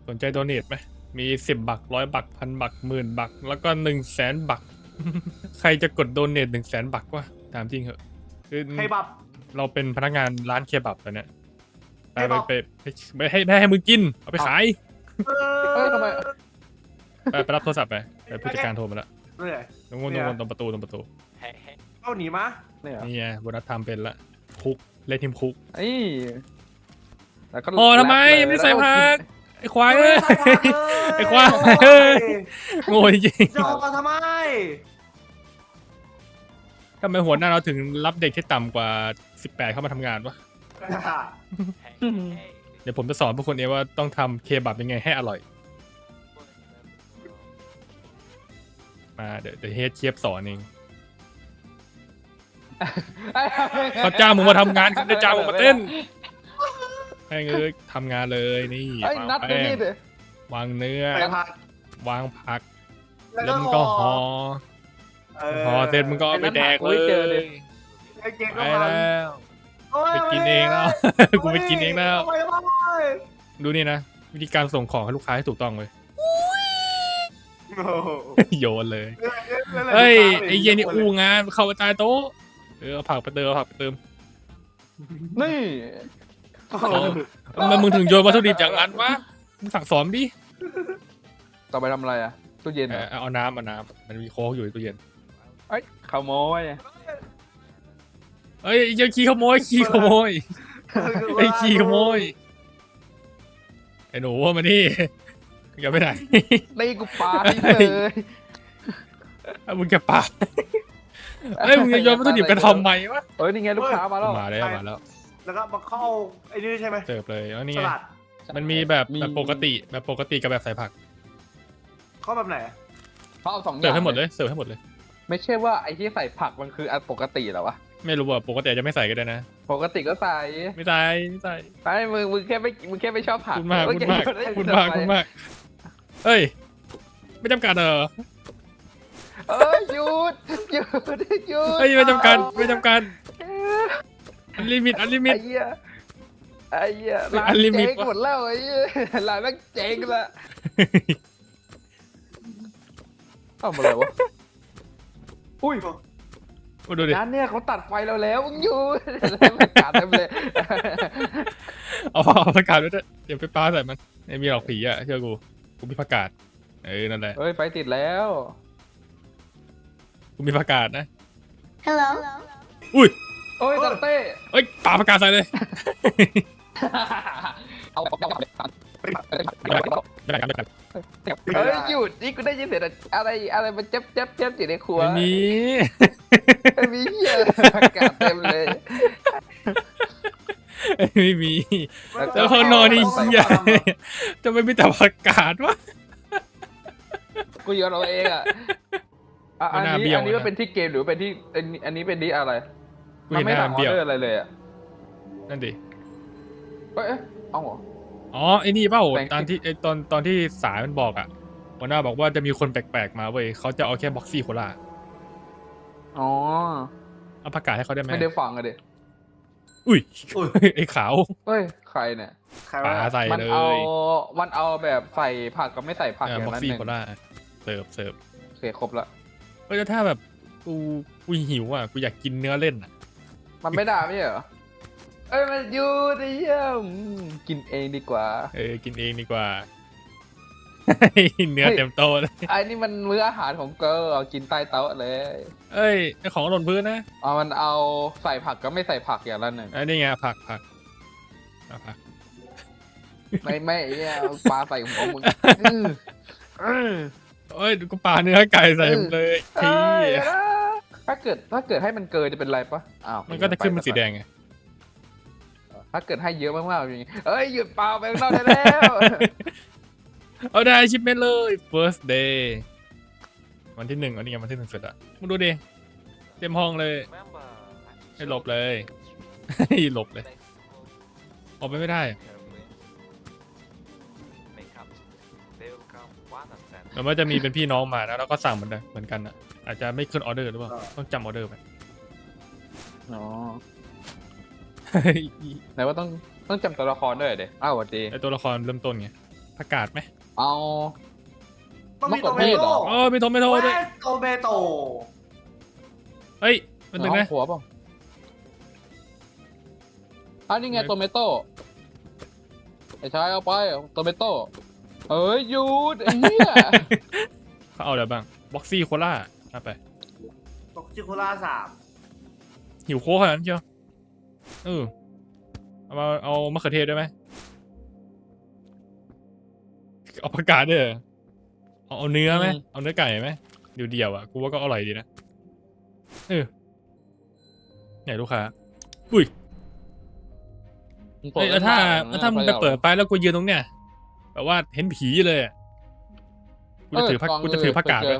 สนใจโดเนทไหมมี10 บัก100 บัก1,000 บัก10,000 บักแล้วก็100,000 บัก ใครจะกดโดเนท100,000 บักวะถามจริงเหอะคือเคบับเราเป็นพนักงานร้านเคบับตอนเนี้ยไปเคบับไปให้มึงกินเอาไปขายเฮ้ยทำไมไปรับโทรศัพท์ไปผู้จัดการโทรมาแล้วเนี่ยตรงนู้นตรงประตูเข้าหนีมาเนี่ยนี่ไงโบนัสทำเป็นละคุกเล่นทีมคุกไอ้แล้วก็โอ้ทำไมแรปเลยไม่ใส่แล้วก็ผักไอ้ควายไม่เอ้ยใส่ผักเลยไอ้ควายโอ้ยโง่จริงจะออกมาทำไมๆทำไมหัวหน้าเราถึงรับเด็กที่ต่ำกว่า18เข้ามาทำงานวะเดี๋ยวผมจะสอนพวกคนเองว่าต้องทำเคบับยังไงให้อร่อยมาเดี๋ยวเฮดเชฟสอนเองเขาจ้างมึงมาทำงานเขาจะจ้างมึงมาเต้นให้เงยทำงานเลยนี่ไอ้วางนัดแป้นี่งดิวางเนื้อใส่ผักวางผักแล้วแล้วมึงก็ห่อห่อเสร็จมึงก็เอาไปแดกเลยไอ้เก่งไปก็มาแล้วโอ้ยไปกินเองแล้ว กูไปกินเองแล้วทำไมทำไมดูนี่นะวิธีการส่งของให้ลูกค้าให้ถูกต้องเลยโอ้โหโยนเลยเฮ้ยไอ้เย็นนี่อู้งานเข้าไปใต้โต๊ะเอาผักไปเติมเอาผักไปเติมนี่โอ้โหทำไมมึงถึงโยนวัตถุดิบอย่างนั้นวะมึงสั่งสอนดิต่อไปทำอะไรอ่ะตู้เย็นเหรอเอาน้ำมันมีโค้กอยู่ในตู้เย็นเอ้ยขโมยเอ้ยยังขี้ขโมยไอ้ขี้ขโมยไอ้หนูมานี่อย่าไปไหนตีกูปาทิ้งเลยมึงจะปาเอ้ยมึงจะโยนวัตถุดิบกันทำไมวะเอ้ยนี่ไงลูกค้ามาแล้วมาแล้วแล้วก็มาเข้าไอ้นี่ใช่ไหมเสิร์ฟเลยแล้วนี่สไงลัดมันมีแบบปกติกับแบบใส่ผักเข้าแบบไหนเขาเอาสองอเสิร์ย่าฟงให้หมดเลยเสิร์ฟให้หมดเลยไม่ใช่ว่าไอ้ที่ใส่ผักมันคืออันปกติเหรอวะไม่รู้ว่าปกติอาจจะไม่ใส่ก็ได้นะปกติก็ใส่ไม่ใส่ไอ้มึงแค่ไม่ชอบผักคุณมากเอ้ยคุณมากเฮ้ยไม่จำกัดเหรอเอ้ยหยุดเฮ้ยไม่จำกัดอันลิมิตไอ้เหี้ยร้านอันลิมิตเจ๊งหมดแล้วไอ้เหี้ยร้านแม่งเจ๊งละทำอะไรวะอุ้ยมาดูดิร้านเนี่ยเขาตัดไฟเราแล้วมึงอยู่แล้วมันกัดเต็มเลยเอาประกาศด้วยเดี๋ยวไปปาใส่มันไม่มีหรอกผีอ่ะเชื่อกูมีประกาศนั่นแหละเฮ้ยไฟติดแล้วกูมีประกาศนะ Hello. อุ้ยโอ้ยตัดเต้เอ้ยปาประกาศใส่เลยเอาไม่ได้กันเฮ้ยหยุดนี่กูได้ยินเสียงอะไรมันเจ็บอยู่ในครัวไม่มีไม่มีเหี้ยอากาศเต็มเลยไม่มีแล้วข้างนอกนี่เหี้ยจะไม่มีแต่ประกาศวะกูโยนเอาเองอ่ะอันนี้มันเป็นที่เกมหรือเป็นที่อันนี้เป็นที่อะไรกูมันเห็นไม่หสั่น้าง เบี้ยวออเดอร์อะไรเลยอ่ะนั่นดิเอ้ยเอาเหรออ๋อไอ้นี่เปล่าแปลกตอนที่ตอนที่สายมันบอกอ่ะหัวหน้าบอกว่าจะมีคนแปลกๆมาเว้ยเขาจะเอาแค่บ็อกซี่โคลาอ๋อเอาประกาศให้เขาได้ไหมไม่ได้ฟังอะดิอุ้ยไอ้ขาวเฮ้ยใครเนี่ยใครปาวะใส่มันเลเอายมันเอาแบบใส่ผักกับไม่ใส่ผักอย่างบ็อกนั้นซี่หนึ่งโคลาเสิร์ฟโอเคครบละเฮ้ยแล้วถ้าแบบกูหิวอ่ะกูอยากกินเนื้อเล่นอ่ะมันไม่ด่าไม่ใช่เหรอเอ้ยมันอยู่ดิเยี่ยมกินเองดีกว่ากินเองดีกว่า เนื้อเต็มโต๊ะเลยไอ้นี่มันมื้ออาหารของเกิร์ลเอากินใต้โต๊ะเลยเอ้ยไอ้ของหล่นพื้นนะมันเอาใส่ผักกับไม่ใส่ผักอย่างละหนึ่งไอ้นี่ไงผักเอาผักไม่เนี่ยเอาปลาใส่หัวมึงเอ้ยกูปาเนื้อไก่ใส่มันเลยทีถ้าเกิดให้มันเกินจะเป็นไรปะอ้าวมันก็จะขึ้นเป็นสีแดงไงถ้าเกิดให้เยอะมากๆอย่างงี้เอ้ยหยุดเปล่าไปข้างนอกได้แล้วเอาได้ชิปเมนเลย first day วันที่ 1อันนี้ไงวันที่ 1เสร็จอะมึงดูดิเต็มห้องเลยให้หลบเลยให้หลบเลยออกไปไม่ได้แต่ว่าจะมีเป็นพี่น้องมานะแล้วก็สั่งเหมือนกันอะอาจจะไม่ขึ้นออเดอร์หรือเปล่าต้องจำออเดอร์ไปอ๋อไหนว่าต้องจำตัวละครด้วยเด็อ้าวสวัสดีไอตัวละครเริ่มต้นไงผักกาดไหมเอาต้องมีมะโตเขือเมเทศโต้เหรอเออมีโทเมโต้ด้วยโตเมโต้เฮ้ยมันถึงห้อนะงครัวเปล่าอันนี้ไงโตเมโต้ไอ้ชายเอาไปโตเมโต้เอ้ยหยุดไอ้เหี้ยเขาเอาอะไรบ้างบ็อกซี่โคล่าเอาไปตกชิโคล่า3 หิวโค้กขนาดนั้นเชียวเอามะเขือเทศได้ไหมเอาผักกาดด้วยเหรอเอาเนื้อไหมเอาเนื้อไก่ไหมเดี่ยวๆอ่ะกูว่าก็อร่อยดีนะเนี่ยลูกค้าอุ้ยเอ้ยแล้วถ้ามึงไปเปิดไปแล้วกูยืนตรงเนี้ยแบบว่าเห็นผีเลยอะกูจะถือผักกาดไว้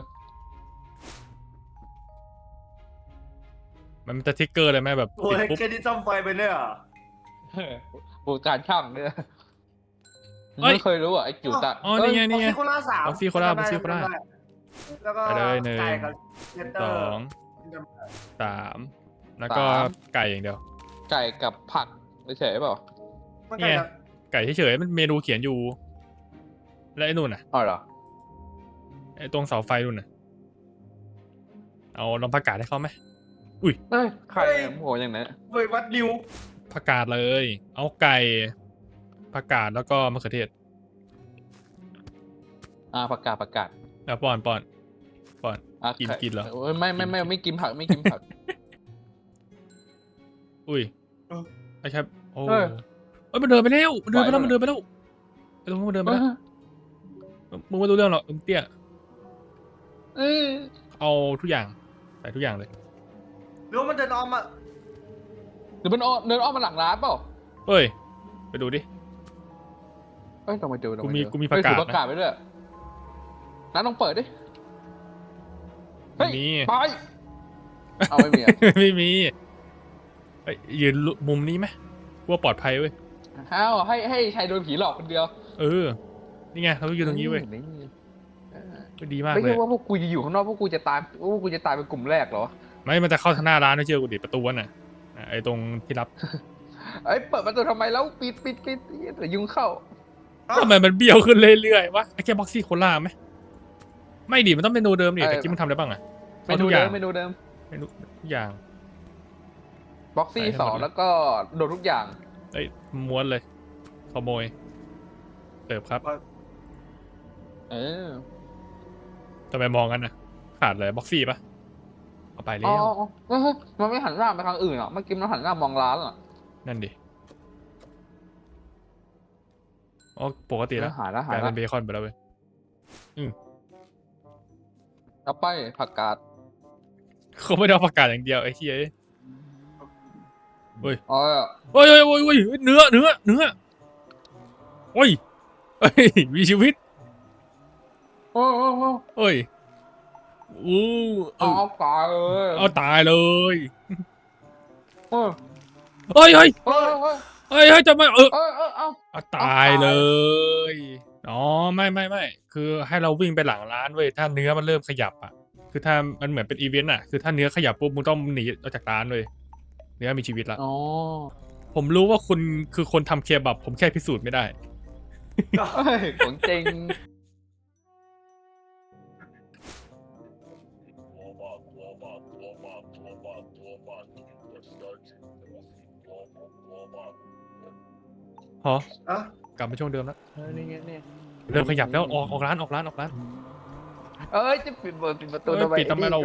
มันจะทิกเกอร์เลยไหมแบบโอ้ติดยปุ๊บแค่นี้ซ่อมไฟไปเนี่ยเหรอบูการช่างเนี่ยไม่เคยรู้อ่ะไอ้จิ๋วตาอ๋อนี่ไงบ็อกซี่โคล่า3 บ็อกซี่โคล่าแล้วก็ไปเลยเนยไก่กับเชสเตสออร์งสามแล้วก็ไก่อย่างเดียวไก่กับผักเฉยๆเปล่ามันไก่กับไก่เฉยๆมันเมนูเขียนอยู่ แล้วไอ้นู่นน่ะอ๋อเหรอไอ้ตรงเสาไฟนู่นน่ะเอาลองผักกาดให้เขาไหมเอ้ยไข่โหอย่างนั้นเว้ยวัดนิวผักกาดเลย เอาไก่ผักกาดแล้วก็มะเขือเทศประกาศแล้วป้อนกินไข่กินเหรอโอ้ยไม่กินผักไม่กินผักอุ้ยไอ้ครับโอ้เออเอ้ยมันเดินไปแล้วไอ้ตรงนู้นไหวมันเหรอเดินไปแล้วไอ้ตรงนู้นมันเดินไปแล้วมึงไม่รู้เรื่องหรอกมึงเตี้ยเอ้ยเอาทุกอย่างใส่ทุกอย่างเลยหรือว่ามันเดินออมอ่ะหรือมันเดินอ้อมมาหลังร้านเปล่าเฮ้ยไปดูดิเอ้ยลองไปดูกูมีผักกาดนะถือผักกาดไปด้วยร้านลองเปิดดิเฮ้ยมีไปเอาไม่มีอ่ะไม่มีเฮ้ยยืนมุมนี้ไหมกลัวปลอดภัยเว้ยอ้าวให้ชายโดนผีหลอกคนเดียวนี่ไงเราก็ยืนตรงนี้เว้ยนี่ก็ดีมากไม่เลใช่ยว่าพวกกูจะอยู่ข้างนอกพวกกูจะตายเป็นกลุ่มแรกเหรอไม่มันจะเข้าทางหน้าร้านนะเชื่อกูดิประตูน่ะไอ้ตรงที่รับเอ้ยเปิดประตูทำไมแล้วปิดเดี๋ยวยุงเข้าทำไมมันเบี้ยวขึ้นเรื่อยๆวะไอ้แค่บ็อกซี่โคล่าไหมไม่ดิมันต้องเมนูเดิมดิแต่กี้มันทำอะไรบ้างอะเมนูเดิมเมนูเดิมเมนูทุกอย่างบ็อกซี่ใส่ให้หมด 2 เลยแล้วก็โดนทุกอย่างเอ้ยม้วนเลยขโมยเสิร์ฟครับเออทำไมมองกันนะขาดเลยบ็อกซี่ปะเอาไปแล้อ๋อวเฮ้ยมันไม่หันหน้าไปทางอื่นหรอเมื่อกี้มันหันหน้ามองร้านอ่ะนั่นดิอ๋อปกติแล้วหายแล้วกลายเป็นเบคอนไปแล้วเว้ยเอาไปผักกาดเขาไม่ได้เอาผักกาดอย่างเดียวไอ้เหี้ยอ๋อโอ้ยเนื้อโอ้ยเอ้ยมีชีวิตโอ้โอ้ยอู้เอาตายเลยเอาตายเลยเออเฮ้ยเฮ้ยจะไม่เอาเอาตายเลยอ๋อไม่คือให้เราวิ่งไปหลังร้านเว้ยถ้าเนื้อมันเริ่มขยับอ่ะคือถ้ามันเหมือนเป็นอีเวนต์อ่ะคือถ้าเนื้อขยับปุ๊บมึงต้องหนีออกจากร้านเลยเนื้อมีชีวิตละอ๋อผมรู้ว่าคุณคือคนทำเคบับผมแค่พิสูจน์ไม่ได้เฮ้ยของจริงฮะอ่ะกลับมาช่วงเดิมแล้วนี่ไงนี่เริ่มขยับแล้วออกร้านเอ้ยจะปิดประตูเอ้ยทำไมปิดทำไมเรา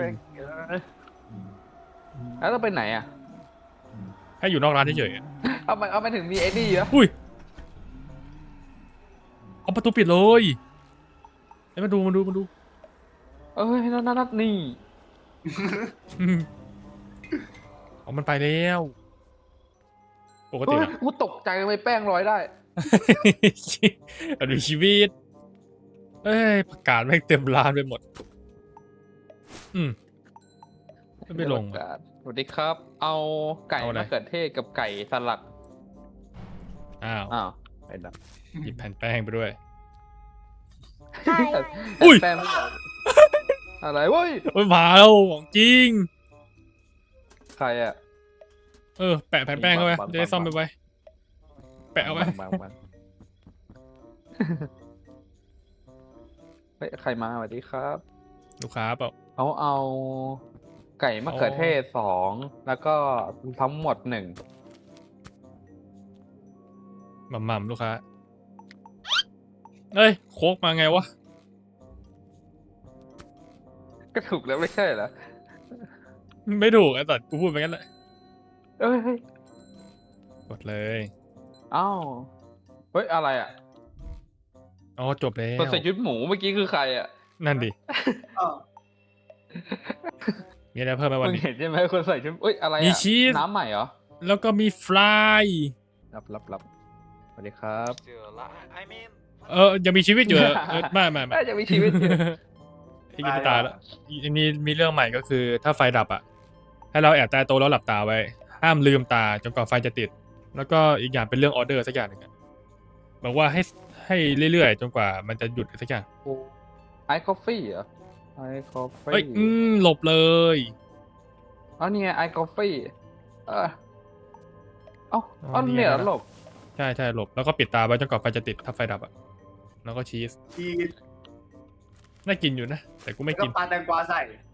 แล้วเราไปไหนอ่ะให้อยู่นอกร้านเฉยเอาไปถึงมีไอ้นี่เหรอๆอุ้ยเอาประตูปิดเลยไอ้มาดูเอ้ยนั่นนี่อืมเอามันไปแล้วปกติเฮ้ยอะกูตกใจทำไมแป้งลอยได้มันมีชีวิตเอ้ยประกาศแม่งเต็มร้านไปหมดไม่ลงอะสวัสดีครับ เอาไก่เอาอะไรมะเขือเทศกับไก่สลัดอ้าวไปดับหยิบแผ่นแป้งไปด้วยอุ้อุ้ยแป้งไม่ออกอะไรเว้ยโอ้ยมาแล้วของจริงใครอ่ะแปะแผ่นแป้งเข้าไปบังจะได้ซ่อมไปไว้แปะเอาไว้บังเฮ้ยใครมาสวัสดีครับลูกค้าเปล่าเอาไก่มะเขือเทศ2แล้วก็ทั้งหมด1 หม่ำๆลูกค้าเอ้ยโคกมาไงวะก็ถูกแล้วไม่ใช่เหรอไม่ถูกไอ้สัตว์กูพูดไปงั้นแหละเอ้ยเฮ้ยกดเลยเอ้าเฮ้ยอะไรอ่ะอ๋อจบแล้วคนใส่ชุดหมูเมื่อกี้คือใครอ่ะนั่นดิอ้าวมีอะไรเพิ่มไหมวันมึงนี้เห็นใช่ไหมคนใส่ชุดเอ้ยอะไรมีอ่ะชีสน้ำใหม่เหรอแล้วก็มีฟรายรับสวัสดีครับยังมีชีวิตอยู่เหรอไม่น่าจะมีชีวิตอยู่ไอ้กินตายแล้วอันนี้มีเรื่องใหม่ก็คือ ถ้าไฟดับอ่ะ ให้เราแอบใต้โต๊ะแล้วหลับตาไว้ ห้ามลืมตาจนกว่าไฟจะติด แล้วก็อีกอย่างเป็นเรื่องออเดอร์สักอย่างหนึ่งอะบอกว่าให้เรื่อยๆจนกว่ามันจะหยุดสักอย่างไอคอฟฟี่เหรอไอคอฟฟี่เอ้ยหลบเลยอ๋อนี่ไงไอคอฟฟี่เออเอ้าอ๋ออ๋อนี่ไงเนี่ยเหรอหลบใช่หลบแล้วก็ปิดตาไว้จนกว่าไฟจะติดถ้าไฟดับอ่ะแล้วก็ชีสชีสน่ากินอยู่นะ แต่กูไม่แล้วก็กินปลาแตงกวาใส่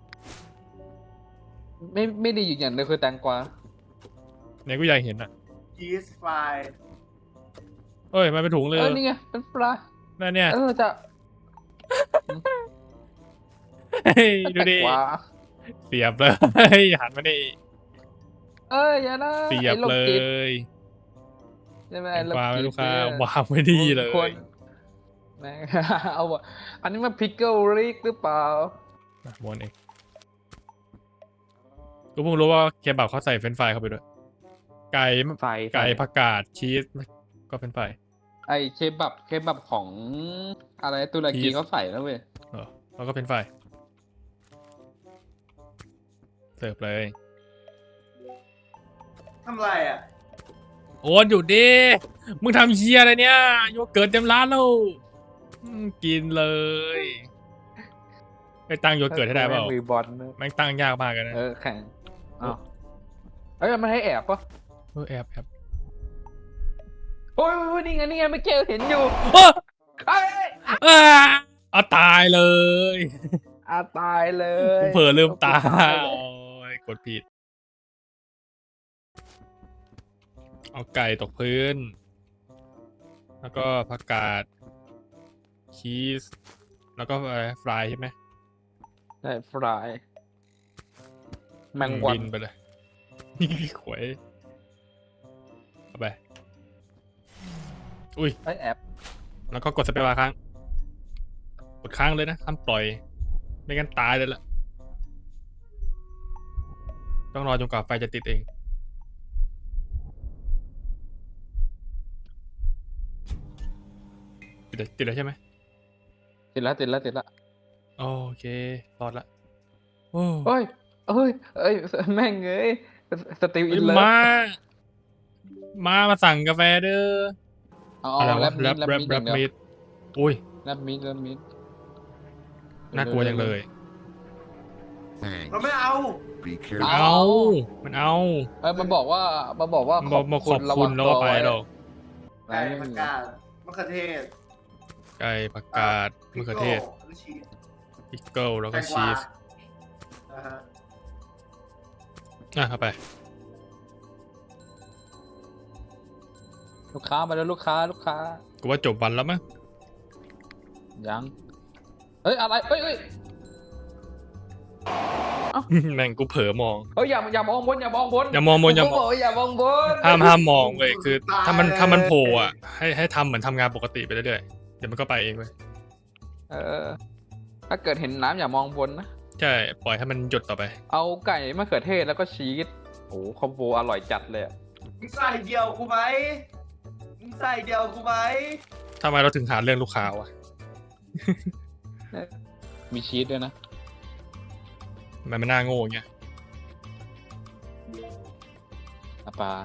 ไม่ดีอยู่อย่างเดียวคือแตงกวาเนี่ยกูอยากเห็นอ่ะชีสฟรายเอ้ยมันเป็นถุงเลยนี่ไงเป็นปลานั่นเนี่ยจะเฮ้ยดูดิแตงกวาเสียบเลย หันมาดิอย่านะเสียบไอ้โรคเลจิตยใช่ไหมแตงกวาไอ้โรลูคกจิตค้าเนี่ยวางไม่ดีเลยคนแม่ง เอาวะอันนี้มันพิกเกิลริกหรือเปล่าม้วนเองกูเพิ่งรู้ว่าเคบับเขาใส่เฟรนช์ฟรายเข้าไปด้วย ไก่ใส่ไก่ผักกาดชีสก็เป็นไฟรายไอเคบับของอะไรตุรกีชีสเขาใส่แล้วเว้ยแล้วก็เป็นไฟรายเสิร์ฟเลยทำไรอ่ะโอนอยู่ดิมึงทำเชียอะไรเนี่ยโยเกิร์ตเต็มร้านแล้วกินเลยไปตั้งโยเกิร์ตให้ได้เปล่ามือบอลนะแม่งตั้งยากมากเลยนะแข่งอ้าวเอ้ยมันให้แอบปะแอบโอ้ยนี่ไงเมื่อกี้เห็นอยู่โอ้เอ้ยเอาตายเลยตายเลยเผลอลืมตาเลยโอ้ยกดผิด เอาไก่ตกพื้น แล้วก็ผักกาดชีสแล้วก็อะไรฟรายใช่ไหมใช่ฟรายแมงวันบินไปเลย ขวยเอาไปอุ้ยไอ้แอบแล้วก็กดสเปซบาร์ค้าง กดค้างเลยนะห้ามปล่อย ไม่งั้นตายเลยล่ะ ต้องรอจนกว่าไฟจะติดเอง ติดแล้วใช่ไหมติดแล้วโอเค รอดละ โอ้เอ้ยแม่งเอ้ยสติลอินเลิฟมาสั่งกาแฟเด้อเอาอะไรแรวะปแรมีปดอย่างเดียวมิดอุ้ยแรปมีดน่ากลัวจังเลยเราไม่เอา Be มัน careful. เอา มันเอามันบอกว่ามันบอกมาขอบคุณแล้วก็ไปหรอกไก่ผักกาดมะเขือเทศไก่ผักกาดมะเขือเทศแล้วก็ชีสพิกเกิลแล้วก็แตงกชีวาสนะฮะเอาไปลูกค้ามาแล้วลูกค้ากูว่าจบวันแล้วมั้งยังเฮ้ยอะไรเฮ้ยแม่งกูเผลอมองอย่ามองบนอย่ามองบนอย่ามองบนอย่ามองกูบอกอย่ามองบนห้ามมองเว้ยคือ ถ้ามันโผล่อะให้ทำเหมือนทำงานปกติไปเรื่อยๆเดี๋ยวมันก็ไปเองเว้ยถ้าเกิดเห็นน้ำอย่ามองบนนะใช่ปล่อยให้มันหยดต่อไปเอาไก่มะเขือเทศแล้วก็ชีสโอ้คอมโบอร่อยจัดเลยอะมึงใส่เดียวกูไหมมึงใส่เดียวกูไหมทำไมเราถึงหาเรื่องลูกค้าวะมีชีสด้วยนะมันไม่น่าโง่อย่างเงี้ยปลา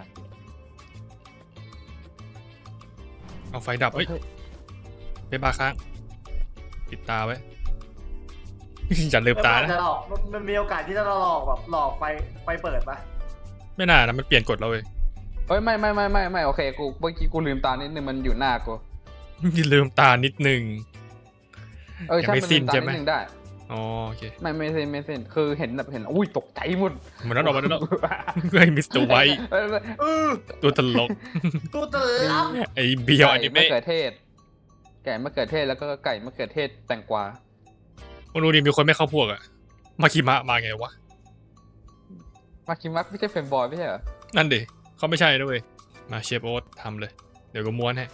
เอาไฟดับเอ้ยไปบาร์ค้างปิดตาไว้ อย่าลืมตานะจะหลอกมันมีโอกาสที่จะหลอกแบบหลอกไฟเปิดปะไม่น่านะมันเปลี่ยนกฎเราเว้ยเฮ้ยไม่โอเคกูเมื่อกี้กูลืมตานิดนึงมันอยู่หน้ากูอย่าลืมตานิดนึงใช่ยังไม่มันสิ้ลืนมตาใช่นิไหมดนึงได้อ๋อโอเคไม่สิ้นคือเห็นแบบเห็นอุ้ยตกใจหมดเหมือนนั้นออกมาแล้วเฮ้ยมิสเตอร์ไวท์เออตัวตลกตัวเต๋อไอ้เบียวอนิไก่เมะมะเขือเทศ ไก่มะเขือเทศแล้วก็ไก่มะเขือเทศแตงกวามึงดูดิมีคนไม่เข้าพวกอะมาคิมะมาไงวะมาคิมักไม่ใช่เฟรนบอยไม่ใช่เหรอนั่นดิเขาไม่ใช่ด้วยมาเชฟโอ๊ตทำเลย เดี๋ยวก็ม้วนให้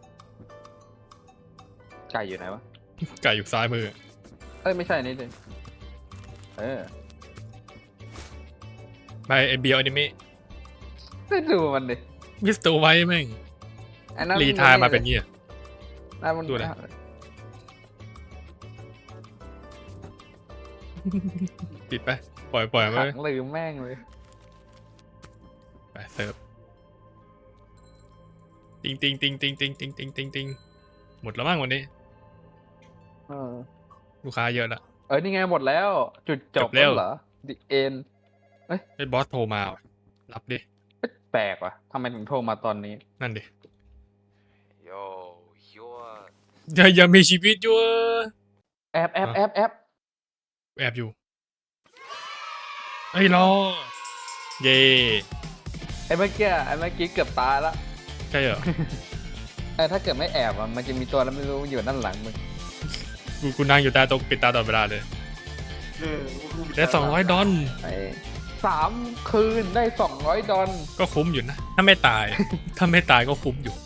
ไก่อยู่ไหนวะไก่อยู่ซ้ายมือไม่ใช่นี่ดิไปไอ้เบียวอนิเมะไม่ดูมันดิมิสเตอร์ไวท์แม่งอันนั้นรีไทายมาเป็นเงี้ยนั่นมันดูอะไร ปิดไป ปล่อยไปขังลืมแม่งเลยไปเสิร์ฟติงหมดแล้วมั้งวันนี้เออลูกค้าเยอะละนี่ไงหมดแล้ว จุดจจบบแล้วเหรอ The End ไอ้บอสโทรมาว่ะรับดิแปลกว่ะทำไมถึงโทรมาตอนนี้นั่นดิ Yo, you're ยังมีชีวิตอยู่แอบแอบอยู่ไอ้ยรอ เย่ไอ้เมื่อกี้เกือบตายละใช่เหรอถ้าเกิดไม่แอบมันจะมีตัวแล้วไม่รู้อยู่ด้านหลังมึงกูนั่งอยู่ตาตรงปิดตาตลอดเวลาเลยได้$200 3 คืนได้$200 ก็คุ้มอยู่นะ ถ้าไม่ตาย ถ้าไม่ตายก็คุ้มอยู่